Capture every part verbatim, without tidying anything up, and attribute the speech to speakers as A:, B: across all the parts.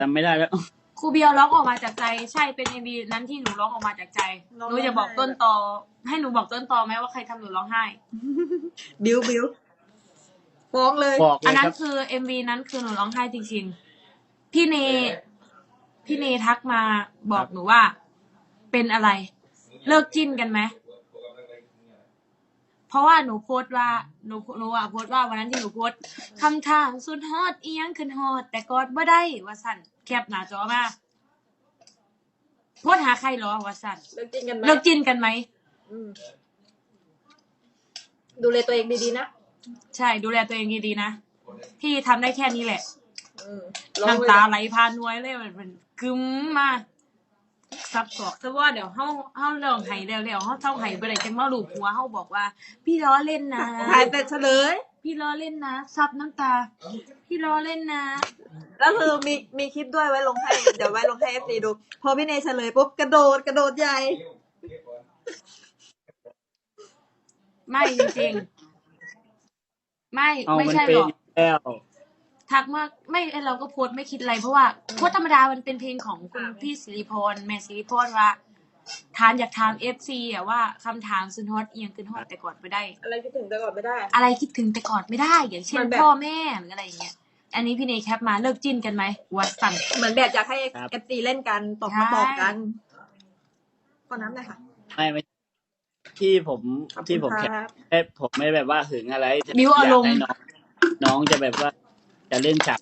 A: จำไม่ได้แล้ว
B: ครูเบียร์ร้องออกมาจากใจใช่เป็นเอ็มวีนั้นที่หนูร้องออกมาจากใจหนูจะบอกต้นตอให้หนูบอกต้นตอไหมว่าใครทำหนูร้องไห้
C: บิวบิวฟ้องเลย
B: อันนั้นคือเอ็มวีนั้นคือหนูร้องไห้จริงๆพี่เนพี่เนทักมาบอกหนูว่าเป็นอะไรเลิกจิ้นกันไหมเพราะว่าหนูโพสต์ว่าหนูหนูอ่ะโพสต์ว่าวันนั้นที่หนูโพสต์คำทางสุดฮอตเอียงขึ้นฮอตแต่กอดบ่ได้ว่าสั่นแคปหน้าจอมาโพสต์หาใครหรอว่าสั่น
C: เลิกจิ้นกันไหม
B: เลิกจิ้นกันไหม
C: ดูแลตัวเองดีๆนะ
B: ใช่ดูแลตัวเองดีๆนะพี่ทำได้แค่นี้แหละน้ำตาไหลพานวยเลยมันกึ้มมาซับสอกซะว่าเดี๋ยวเฮาเฮาเรื่องไห้แล้วๆเฮาเท่าไห้บ่ได้จังมาลูบหัวเฮาบอกว่าพี่ล้อเล่นนะ
C: ถ่ายแต่เฉลย
B: พี่ล้อเล่นนะซับน้ำตาพี่ล้อเล่นนะ
C: แล้วคือมีมีคลิปด้วยไว้ลงให้เดี๋ยวไว้ลงให้ เอฟ ซี ดูพอพี่เนยเฉลยปุ๊บกระโดดกระโดดใหญ่
B: ไม่จริงๆไม่ไม่ใช่หรอกทักมาไม่เราก็โพสไม่คิดอะไรเพราะว่าโพสธรรมดามันเป็นเพลงของคุณพี่สิริพรแม่สิริพรว่าทานอยากถาม เอฟ ซี อ่ะว่าคำถามสุดฮอตเอียงขึ้นฮอตแต่กอดไม่ได้
C: อะไรคิดถึงแต่กอดไม่ได้
B: อะไรคิดถึงแต่กอดไม่ได้อย่างเช่นพ่อแม่หรืออะไรอย่างเงี้ยอันนี้พี่เนยแคปมาเลิกจิ้นกันไหมวัดสั่น
C: เหมือนแบบอยากให้ เอฟ ซี เล่นกันตบมาตบกันคนนั้นเลยค่ะ
A: ไม่ไม่ที่ผมที่ผมแคปผมไม่แบบว่าหึงอะไร
B: บิวอารมณ์
A: น้องจะแบบว่าจะเล่นฉาก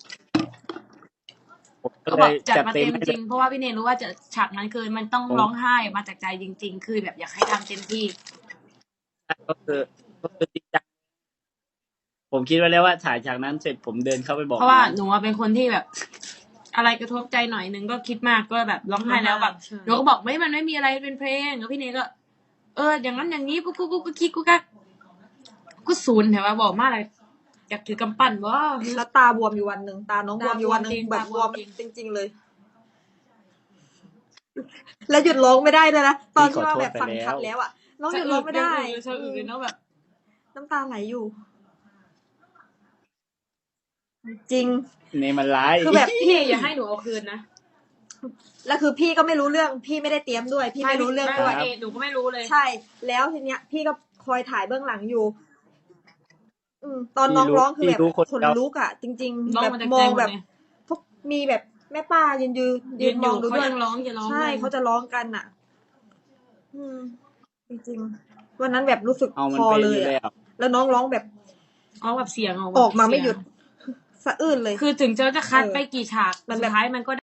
B: ก็บอกจัดมาเต็มจริงเพราะว่าพี่เนยรู้ว่าจะฉากนั้นคือมันต้องร้องไห้มาจากใจจริงๆคือแบบอยากให้ทำเต็มที่
A: ก็คือก็คือจริงจังผมคิดไว้แล้วว่าถ่ายฉากนั้นเสร็จผมเดินเข้าไปบอก
B: เพราะว่าหนูเป็นคนที่แบบอะไรกระทบใจหน่อยนึงก็คิดมากก็แบบร้องไห้แล้วแบบหนูก็บอกไม่มันไม่มีอะไรเป็นเพลงแล้วพี่เนยก็เอออย่างนั้นอย่างนี้กูกูกูกูคิดกูกักกูศูนย์แต่ว่าบอกมากเลยอยากถือกำปั้นว่า
C: แล้วตาบวมอยู่วันหนึ่งตาน้องบวมอยู่วันหนึ่งแบบบวมจริงๆเลยแล้วหยุดร้องไม่ได้เลยนะตอนที่ว่าแบบฟังคัดแล้วอ่ะน้องหยุดร้องไม่ได้
B: น้องแบบ
C: น้ำตาไหลอยู่จริง
A: นี่มันร้าย
B: คือแบบพี่อย่าให้หนูเอาคืนนะ
C: แล้วคือพี่ก็ไม่รู้เรื่องพี่ไม่ได้เตรียมด้วยพี่ไม่รู้เรื่องด้วย
B: หนูก็ไม่รู้เลย
C: ใช่แล้วทีเนี้ยพี่ก็คอยถ่ายเบื้องหลังอยู่อืมตอนน้องร้องคือแบบคนลุกอ่ะจริงๆแบบมองแบบพวกมีแบบแม่ป้ายืนยืนยืนมองดูด้วยใช่เขาจะร้องกันอ่ะอืมจริงๆวันนั้นแบบรู้สึกคอเลยแล้วน้องร้องแบบ
B: อ๋อแบบเสียง
C: ออกมาไม่หยุดสะอื้นเลย
B: คือถึงจะจะคัดไปกี่ฉากสุดท้ายมันก็